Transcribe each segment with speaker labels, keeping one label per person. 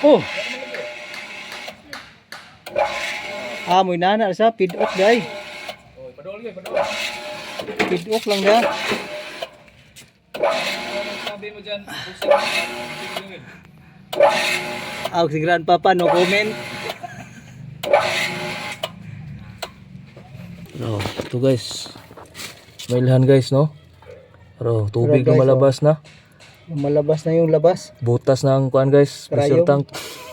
Speaker 1: Oh. Amoy nana sa pidok day.
Speaker 2: Oh, padol gyud, padol.
Speaker 1: Pidok lang da.
Speaker 2: Sabi mo diyan, usap gyud.
Speaker 1: Si grandpapa no comment.
Speaker 2: Oh, ito guys. May ilhan guys, no? Pero tubig
Speaker 1: Pero guys,
Speaker 2: na malabas na.
Speaker 1: Malabas na yung labas.
Speaker 2: Butas ng kuan guys, pressure
Speaker 1: Karayom.
Speaker 2: tank.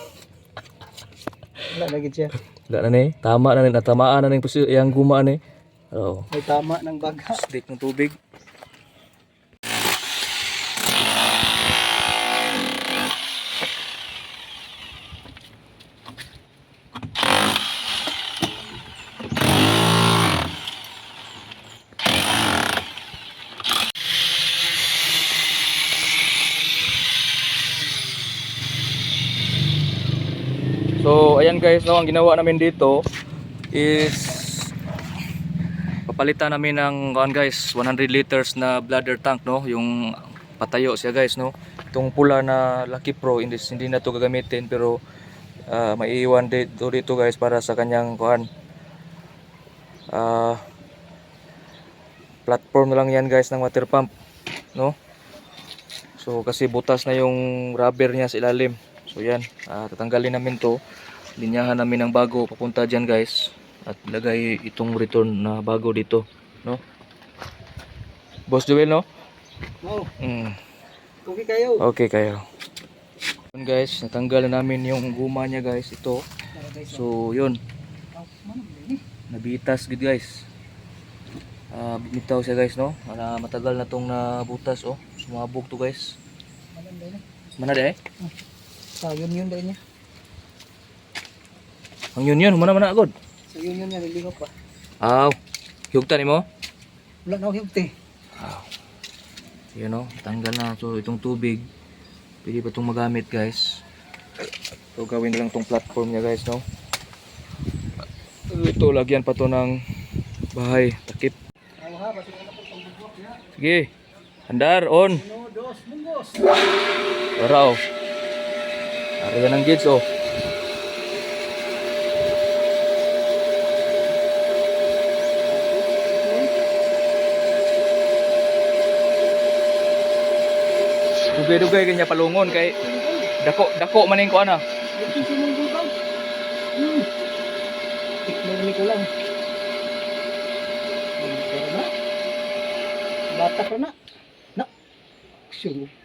Speaker 1: Wala na gid siya.
Speaker 2: Wala na ni, tama na ni, natamaan na ni yung guma ni. Oh,
Speaker 1: May tama ng baga.
Speaker 2: stick ng tubig. So ayan guys, no, ang ginawa namin dito is papalitan namin ng guys 100 liters na bladder tank, no, yung patayo siya guys, no. Itong pula na Lucky Pro hindi na to gagamitin, pero maiiwan dito guys para sa kanyang kuan platform na lang yan guys ng water pump, no. So kasi butas na yung rubber niya sa ilalim. So yan, tatanggalin namin to, linyahan namin ng bago papunta dyan guys, at lagay itong return na bago dito, no. Boss Joel, no?
Speaker 1: Oh,
Speaker 2: Mm.
Speaker 1: okay kayo.
Speaker 2: Okay kayo. Yun guys, natanggal na namin yung guma niya guys, ito. So yun, nabitas good guys. Bitaw siya guys, no. Matagal na tong nabutas, oh. Sumabog to guys. Mana deh?
Speaker 1: Sa yun dahil niya.
Speaker 2: Ang yun, mana agad.
Speaker 1: Sa yun niya niligo pa.
Speaker 2: Hiyugtan mo?
Speaker 1: Wala na ako hiyugti.
Speaker 2: Yun, no, tanggal na. So itong tubig, pwede pa itong magamit guys. So gawin na lang itong platform niya guys, no. Ito, lagyan pa to ng bahay, takip. Sige, andar, on. Tara, oh. Area ng gates, oh. Dugay-dugay kanya palungon kay dako maning ko ana.
Speaker 1: Tikman ko lang. Bata ko na. Na. Sure.